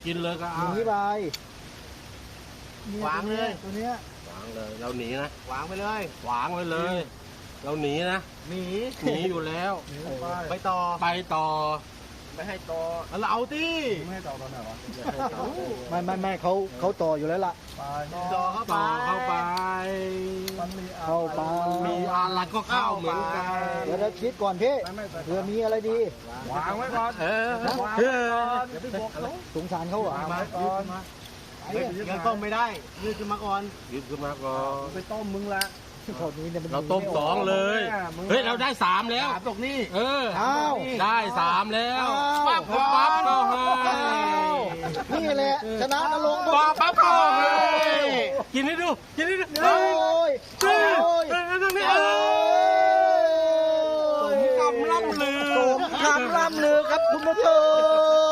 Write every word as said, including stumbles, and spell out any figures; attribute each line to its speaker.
Speaker 1: กินเลยก็
Speaker 2: ห
Speaker 1: เอา
Speaker 2: นีไป
Speaker 3: วางเลย
Speaker 2: ตัวเนี้ยว
Speaker 1: างเลยเราหนีนะ
Speaker 3: วางไปเลย
Speaker 1: วางไว้เลย เราหนีนะ
Speaker 3: หนี
Speaker 1: หนีอยู่แล้ว
Speaker 2: หนีไป
Speaker 3: ไปต่อ
Speaker 1: ไปต่อ
Speaker 3: ไม่ให้ต่อเราเอาที่
Speaker 2: ไม่ให้ต่อตอนไหนวะไม่ไม่ไม่เขาเขาต่ออยู่แล้วล่ะ
Speaker 3: ต่อเข้าไป
Speaker 1: ต่อเข้าไป
Speaker 2: เข้าไป
Speaker 1: มีอะไรก็เข้าเหมือนกัน
Speaker 2: เดี๋ยวเราคิดก่อนพี่เผื่อมีอะไรดี
Speaker 3: วางไว้ก่อน
Speaker 1: เออเออ
Speaker 3: อย่าไปบอกเขา
Speaker 2: สงสารเขาเหรอ
Speaker 3: มายืดมายังต้มไม่ได้ยืดขึ้นมาก่อน
Speaker 1: หยิบขึ้นมาก่อน
Speaker 3: ไปต้มมึงละ
Speaker 2: พอนี้เนี่ยมัน
Speaker 1: เราต้มสองเลย เฮ้ยเราได้สามแล้ว
Speaker 3: สามตกนี่
Speaker 1: เออ
Speaker 2: อ้าว
Speaker 1: ได้สามแล้ว
Speaker 2: อ้าว
Speaker 1: ปั๊บปั๊บก็ให้
Speaker 2: นี่แหละชนะนรงค์
Speaker 1: ปั๊บปั๊บก็ให้กินให้ดูกินให้ดู
Speaker 2: โอ้ย
Speaker 1: เฮ้ย
Speaker 2: โอ้ย
Speaker 1: เฮ้ยตรงนี้
Speaker 2: โอ้
Speaker 1: เออสม
Speaker 2: ย
Speaker 1: คำล่ำลือ
Speaker 2: สมคำล่ำลือครับคุณผู้ชม